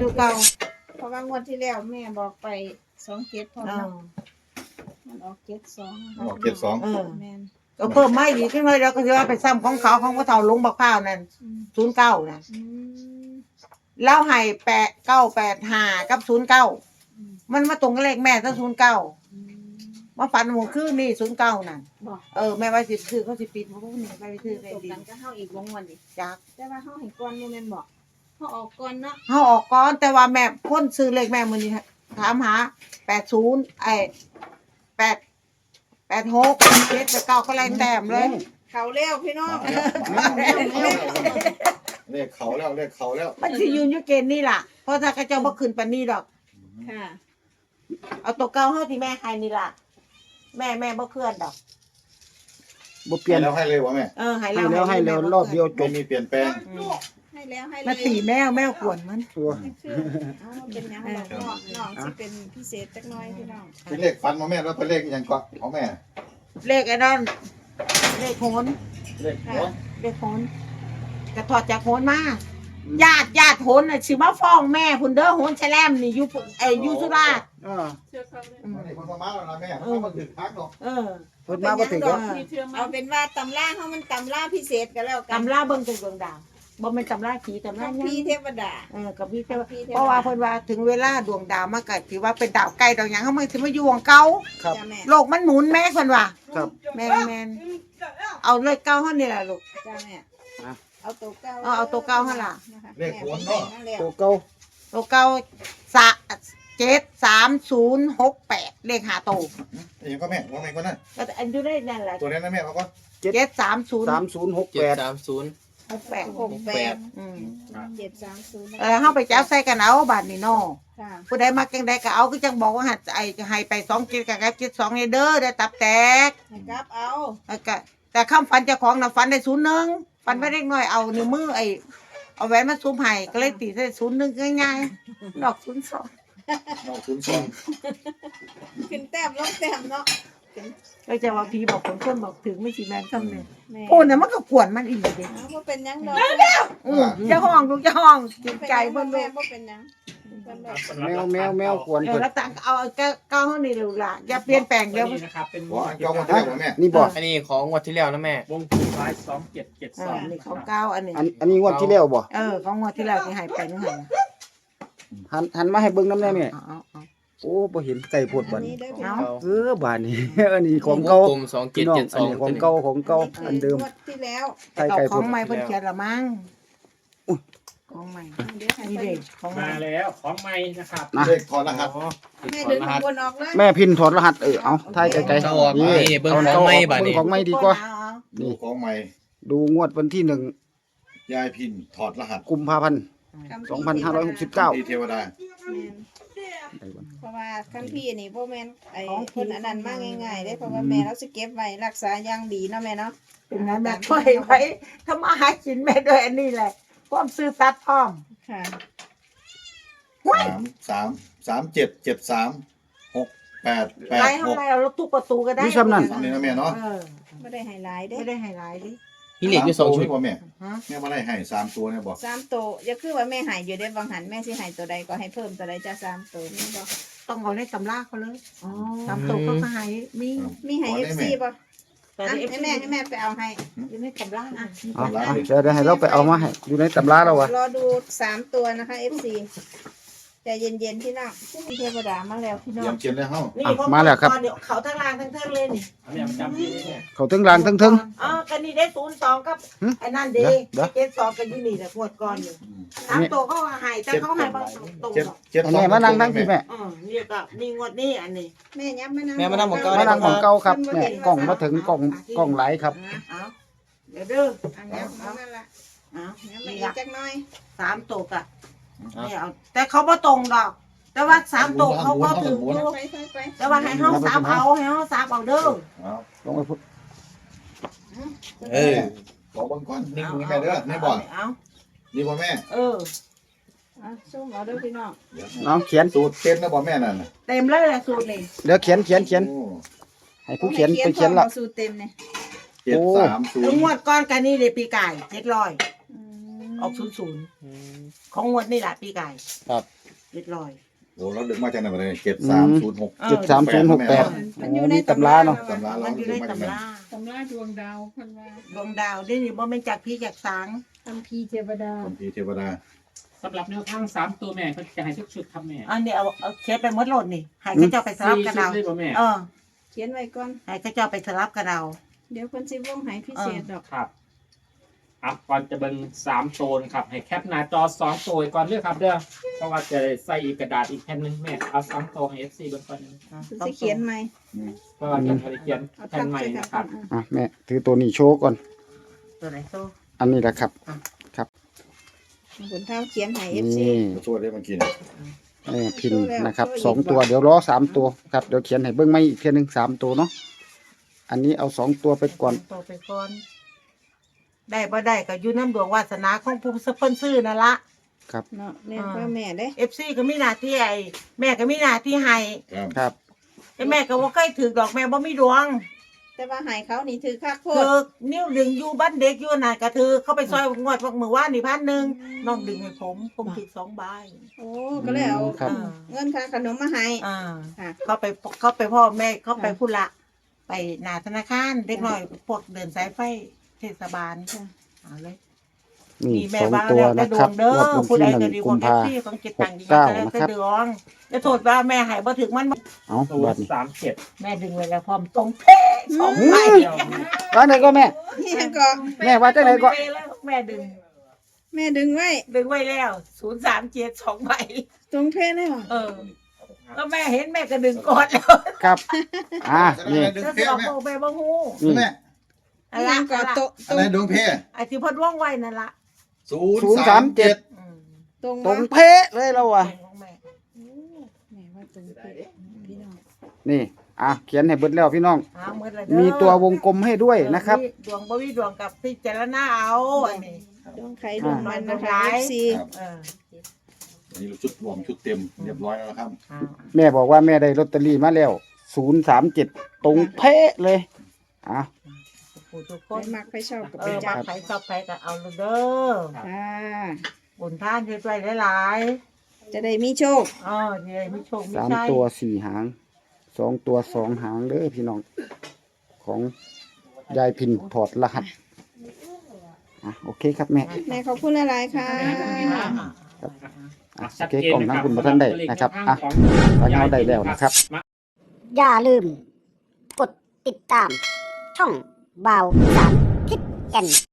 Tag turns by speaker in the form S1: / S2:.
S1: ตัวเก่า
S2: เพราะว่างวดที่แล้วแม่บอกไป27พอ
S1: เอ
S2: เนาะ
S1: อ
S2: มันออก72
S3: ออก72
S1: เออ
S2: แม่น
S1: ก็เพิ่มไม่ดีขึ้นเลยแล้วก็จะว่าไปซ้ำของเขาของพ่อเฒ่าลงบักพร้าวนั่น
S2: อืม
S1: 09น่ะ
S2: อืม
S1: แล้วให้8985กับ09
S2: อืม
S1: มันมาตรงกับเลขแม่ซะ09
S2: อืม
S1: มาฝันหมู่คืนนี่09นั่น
S2: บอก
S1: แม่ว่าสิซื้อเขาสิปิดบ่ฮู้นี่ไปซื้อได้
S2: ตก
S1: ดี
S2: กันก็เฮาอีกวงวันดิ
S1: จัก
S2: แต่ว่าเฮาให้ก่อนบ่แม่นบอกเฮาออกก่อนเนาะ
S1: เฮาออกก่อนแต่ว่าแม่พ่นซื้อเลขแม่มื้อนี้ถามหา8086 7 9ก็ไล่แต้มเลย
S2: เขาแล้วพี่น้อง
S3: เลขเขาแล้วเลขเขาแล้ว
S1: มันสิยืนอยู่เกณฑ์นี่ล่ะเพราะถ้าเขาเจ้าบ่ขึ้นปานนี้ดอก
S2: ค่ะ
S1: เอาตัวเก่าเฮาที่แม่ให้นี่ล่ะแม่บ่เคลื่อนดอก
S4: บ่เปลี่ยน
S3: แล้วให้เลยวะแม่
S1: ให้
S4: ให้แล้วให้แล้วรอบเดียวจ
S3: ไม่
S4: บ
S3: มีเปลี่ยนแปลง
S2: ให้แล้วให้เลย
S1: มาตีแมวขวนมัน
S4: ตัว
S2: คือเอาเป็นหยังดอกน้องสิเป็นพิเศษจักหน่อยพี่น้อง
S3: เป็นเลขฟันมาแม่แล้วเป็นเลขยังก็ของแม่
S1: เลขไอ้นั่นเลขโหน
S3: เลขหัว
S1: เลขโหนกระถอดจากโหนมาญาติโหนน่ะสิมาฟ้องแม่พุ่นเด้อโหนแฉลมนี่อยู่สุราษฎร์
S4: อ่า
S3: นี่คนมาแล้วนะแม่เขามาถึงพักหรอก
S4: เพิ่นมาบ่ถึงก็
S2: เอาเป็นว่าตำราเฮามันตำราพิเศษก็แล้วกัน
S1: ตำราเบิ่งเป็นดวงดาวบ่แม่นตำราผีตำรา
S2: คัม
S1: หยั
S2: ภีร์
S1: ง
S2: เทวดา
S1: กับพี่เทว
S2: คัมภีร์เทวดา
S1: เพราะว่าเพิ่นว่าถึงเวลาดวงดาวมาก็ถือว่าเป็นดาวใกล้ดาวหยังเฮามันสิมาอยู่ของเก่า
S4: ครับ
S2: จ้าแม่
S1: โลกมันหมุนแม่เพิ่นว่า
S4: ครับ
S1: แม่นเอาเลขเก่าเฮานี่ล่ะลูก
S2: จ้าแม่เอาตัวเก้า
S1: เอาตัวเก้าหั่นล่ะ
S3: เลขหัวเนาะ
S4: ตัวเก่า
S1: ตัวเก่า73068เลขหาโตว
S3: ยังก็แม่ว่าแม่ก็นั่น
S1: ก็อันอยู่ได้นั่นแหละ
S3: ตัวนี้นะแม่เขาก็
S1: 730
S4: 3068
S1: 68
S2: 68
S1: อืม
S2: 730
S1: เฮาไปจับใส่กันเอาบาดนี้เนาะ
S2: ค่ะ
S1: ผู้ใดมักจังใดก็เอาคือจังบอกว่าให้ไป2 7กับ72นี่เด้อได้ตับแตก
S2: ให้กลับเอา
S1: แล้วก็แต่คำฝันเจ้าของน่ะฝันได้01ฝันไว้เล็กน้อยเอานิ้วมือเอาแหวนมาซุมให้ก็เลยตีใส่01ง่ายๆดอก02
S3: เราคุ้นซอง
S2: ขึ้นแต้มลงแต้มเนาะ
S1: ก็จะว่าพี่บอกคนบอกถึงไม่สิแม่นคำนึง
S2: แม่
S1: พูดน่ะมันก็กวนมันอีกเด้
S2: เอาบ่เป็นหยังดอก
S1: จะห้องลูกจะห้องจิตใจ
S2: เพิ่
S1: เพิ่
S2: น
S1: น
S2: แม่
S1: ลูก
S2: บ่เป็นหยังเพิ่นบอก
S4: แมวควรเพิ่น
S1: แล้วตังเอาเก้าห้องนี่ลูกล่ะอย่าเปลี่ยนแปลงเดี๋ยว
S5: นี่นะครับเป็น
S3: ว่าเจ้ามาเที่ยวแม่
S4: นี่บ่
S6: อันนี้ของงวดที่แล้วนะแม่
S5: วงสุดท้าย2772
S1: นี่ของเก้าอันนี้
S4: อันนี้งวดที่แล้วบ่
S1: ของงวดที่แล้วที่หายไปนึงหัน
S4: หันมาให้เบิ่งนำแน่แม่
S1: เอา
S4: โอ้บ่เห็นไก่โพด
S2: อั
S4: บั
S2: น
S4: ด
S2: นี้
S4: นี้
S2: เด้อพี่น้อง
S4: บาดนี้ อันนี้ของเก่าว
S6: งกลม
S4: พี่น้องอันนี้ของเก่าอันเดิม
S2: งวดที่แล้ว
S4: ไก่
S1: เอา
S4: ไก่
S1: ข
S4: โพ
S1: อ
S4: ด
S1: งใหม่เพิ่นเขียนละมั้งของใหม่
S2: เดี๋ยวให้
S1: นี่
S2: เพิ่
S1: เด็
S2: น
S1: กของใหม่
S5: มาแล้วของใหม่นะครับ
S3: เลขถอดรหัส
S2: แม่ดึงข้างบนออกเลย
S4: แม่พินถอดรหัสเอาถ่ายไกล
S6: เอาออกนี่เบิ่งของใหม่บัดนี้
S4: ของใหม่ดีกว่า
S3: ดูของใหม่
S4: ดูงวดวันที่
S3: ยายพินถอดรหัส
S4: 1 กุมภาพันธ์ 2569
S3: ที่เทวดา
S2: เพราะว่าคัมภีร์นี่บ่แม่นไอ้คนอันนั้นมาง่ายๆเด้เพราะว่าแม่เราสิเก็บไว้รักษาอย่างดีเนาะแม่เนาะ
S1: เป็นนั้นแม่ช่วยไว้ทำมาหากินแม่ด้วยอันนี้แหละความซื่อสัตย์พร้อม
S2: ค่ะ
S3: 3 7 7 3 6 8
S1: ไล่
S3: 8
S1: เท่าไรเอาทุกประตูก็ได้
S4: มีซ้ำนั่น
S3: 6นี่นะแม่เนาะ
S2: บ่ได้ให้หลายเด้
S1: ไม่ได้ให้หลายดิ
S6: พี่เหล็กอยู่2ชุด
S3: บ่แม่
S1: ฮะ
S3: แม่มาได้ให้3ตัวเนี่ยบอก
S2: 3ตัวอย่าคือว่าแม่ให้อยู่เด้บางหันแม่สิให้ตัวใดก็ให้เพิ่มตัวใดจ้ะ3ตัวนี่บ่
S1: ต้องเอาในตำราเขาเลยตำตัวเขาก็ให้มี
S2: มีให้ FC บ่ให้แม่ไปเอาให้
S1: อยู่ในตำราอ่ะ
S4: เอาเดี๋ยวให้เราไปเอามาให้อยู่ในตำราแล้ววะ
S2: รอดู3ตัวนะคะ FC ใจเย็นๆพี่น้องเทวดามาแล้วพี่น้อ
S3: เยี่ย
S2: ง
S3: มเขียนเลยเฮ้า
S1: นี่เดี๋ยวเขาทั้งล่างทั้งเทิงเลยนี่
S5: อันนี้ประจำที่นี่เนี่ย
S4: เขาทั้งรางทั้งเทึง
S1: กันนี่ได้02กับไอ้นั่นดี
S4: เดี๋ยว
S1: 72กันอยู่นี่แหละงวดก่อนนี่3ตัวเขาให้แต่เขาให้บ่ตรง
S3: 7
S4: อันนี้มานั่งทั้งพี่แม่
S1: นี่ก็นี่งวดนี้อันนี้
S2: แม่ยับมานั่ง
S6: แม่มานั่งของเก่า
S4: มานั่งของเก่าครับแม่กล่องมาถึงกล่องไหลครับ
S1: เอาเดี๋ยวเด้อ
S2: อันนี้เอานั่นล่ะ
S1: เอา
S2: ยับมา
S1: นี่
S2: อีก
S1: ละ
S2: จักหน่อย
S1: 3ตัวกะนี่เอาแต่เขาบ่ตรงดอก แต่ว่า3ตัวเขาก็ถึงอยู่
S2: ไป
S1: แต่ว่าให้เฮา3เอาให้เฮา3เอาเด้อ
S4: ลงไปพุทธ
S6: เออ
S3: บอกบางก้อนนี่คุณแม่เด้อนี่บอก
S1: เอา
S3: นี่บ่แม่
S2: ซุ่มเอาเด้อพี่น้อง
S4: น้องเขียน
S3: สูตรเต็มนะบ่แม่นั่นน่ะ
S1: เต็มเลยแหละสูตรนี่
S4: เดี๋ยวเขียน
S3: โอ้
S4: ให้ผู้เขียนไปเขียนละ
S2: อาสูตรเต็มเนี่ย
S3: 7 3
S1: แล้วงว
S3: 0
S1: ดก้อนกันนี่เลยปีไก่700 ออก00ของงวดนี่แหละปีไก่
S6: ครับ
S1: เรียบร้อย
S3: โอ้เราดึงมาจากไหนมาเลย7306
S4: 7308
S2: มันอยู่ใน
S4: มีตำราเนาะ
S3: ตำราเรา
S1: มันอยู่ใน
S3: ดึงมาจากไหน
S1: ตำรา
S7: ดวงดาวเพิ่นว่า
S1: ดวงดาวได้นี่บ่แม่นจากพี่จากสาง
S7: คัมภีร์เทวดา
S3: คัมภีร์เทวดา
S5: สำหรับแนวทาง3ตัวแม่เขาจะให้ทุกชุดครับแม่
S1: อันนี้เอาเช็ดไปหมดโหลดนี่ให้เขาเจ้าไปสลับกัน
S5: ชุด
S1: เอา
S5: เลยบ่แม่
S2: เขียนไว้ก่อน
S1: ให้เขาเจ้าไปสลับกันเอา
S2: เดี๋ยวเพิ่นสิวงให้พิเศษดอก
S5: ครับอ่ะก่อนจะเบิ่ง3ตัวนะครับให้แคปหน้าจอ2ตัวไว้ก่อนเด้อครับเด้อเพราะว่าจะได้ใส่อีกกระดาษอีกแผ่นหนึงแม่เอา2ตัวให้ FC เบิ่งก่อน
S2: เพิ่นสิเขียนใหม่
S5: เพราะว่าจะเขียน
S2: เอา
S5: แผ่
S2: ทั
S5: น
S2: บ
S5: ใหม่
S2: ใส่กัน
S5: นะครับ
S4: อ่ะแม่ถือตัวนี้โชว์ก่อน
S1: ตัวไหนโซ่
S4: อันนี้แหละครับ
S2: ผลเท้าเขียนให้
S4: นี่
S2: FC
S3: ช่วยได้เมื่อกี้นี่
S4: แม่พินนะครับ2ตัวเดี๋ยวรอ3ตัวครับเดี๋ยวเขียนให้เบิ่งไม่อีกเทียหนึง3ตัวเนาะอันนี้เอา2ตัวไปก่อน
S1: ตัวไปก่อน ได้บ่ได้ก็อยู่น้ำดวงวาสนาของผู้เพิ่นซื้อนั่นละ
S2: เนาะแม่พ่อแม่เด้
S1: FC ก็มีหน้าที่ไอ้แม่ก็มีหน้าที่ให้
S3: ครับ
S4: ครับ
S1: แต่แม่ก็บ่เคยถือดอกแม่บ่มีดวง
S2: แต่ว่าให้เขานี่ถือคักโพ
S1: ถื
S2: ด
S1: อนิ้วดึงอยู่บ้านเด็กอยู่น่ะก็ถือเข้าไปซอยงวดมื้อวานนี่1,000น้องดึงให้ผมถือ2ใบ
S2: โอ้ก็เลยเอา
S4: ครับ
S2: เงินค่าขนมมาให้
S1: อ่า
S2: ค่ะ
S1: เข้าไปพ่อแม่เข้าไปพุ่นละไปหน้าธนาคารเด็กน้อยพวกเดินสายไฟเทศบาลเอาเลย
S4: นี่
S1: นี่แม่
S4: 2
S1: ว่า
S4: ตัว
S1: แล้วแต่
S4: นะ
S1: ด
S4: คว รั
S1: ง
S4: บ
S1: เด้อง
S4: วดวัน
S1: ผู้ใด
S4: ที่
S1: ก็ดี
S4: 1
S1: ก
S4: กุ
S1: ว่าม แท็ก
S4: ภา
S1: ซี่ของจิตตังดี
S4: 69
S1: ก็แล้ว
S4: นะ
S1: แต่
S4: ครับ
S1: ดวงจะโทษว่าแม่หายบ่ถึงมัน
S4: เอา
S5: ตัว
S4: บัดนี้
S5: 37
S1: แม่ดึงไว้แล้วพร้อมตรงเป๊ะสองใบ
S4: ว่าไหนก็แม่
S2: นี่ยังก็
S4: แม่ว่าจังไหนก็
S1: เป๊ะแล้วแม่ดึง
S2: แม่ดึงไว้
S1: ดึงไว้แล้ว037 2ใบ
S2: ตรงเทเลยเหรอ
S1: ก็แม่เห็นแม่ก็ดึงก่อนแล้ว
S4: ครับนี่
S3: ดึง
S1: แล้ว
S3: เพ่
S1: สอบ
S3: แม่
S1: โบแม่บ่ฮู้
S4: นี่
S3: แม่
S1: อะไร
S2: ยังก็โตะ
S3: อะไรดวงเพ่
S1: ไอ้ที่เพิ่นว่องไว้นั่นล่ะ
S3: 037
S1: อืม
S2: ตรง
S4: ตรง
S2: วะ
S4: เป๊ะเลยเราอ่ะ
S1: ของแม่
S2: แม่ว่าตรงเป๊ะพี่น้อง
S4: นี่เขียนให้เบิดแล้วพี่น้อง
S1: เอาหมดแล้วเด้อ
S4: มีตัววงกลมให้ด้วยนะครับ
S1: ดวงบ่มีดวงกับพิจารณาเอาอันนี้
S2: ดวงใครดวงมันนะคะ FC
S3: ครับ
S1: เออ
S3: อันนี้ชุดรวมชุดเต็มเรียบร้อยแล้วครับ
S1: เอา
S4: แม่บอกว่าแม่ได้ลอตเตอรี่มาแล้ว037ตรงเป๊ะเลย
S1: ผู้ทุกค
S2: ไป
S1: น
S2: มักไปชอบกับ
S1: เอ
S2: ไป
S1: อ
S2: จั
S1: มา
S2: บ
S1: ใครชอบใครก็เอาเลยเด้อ
S2: ค่ะ
S1: บุญท่านช่วยๆหลาย
S2: จะได้มีโชค
S1: ๆอ๋อนี่มีโชคมี
S4: 3ตัว4หาง2ตัว2หางเด้อพี่น้องของยายพินถอดรหัสโอเคครับแม่
S2: แม่ขอบคุณหลายๆค่ะ
S4: โอเคกล่องนั่งคุณประทันได้นะครับตอนนี้เอาได้แล้วนะครับ
S8: อย่าลืม กดติดตาม ช่องบ่าวอีสานทิศแก่น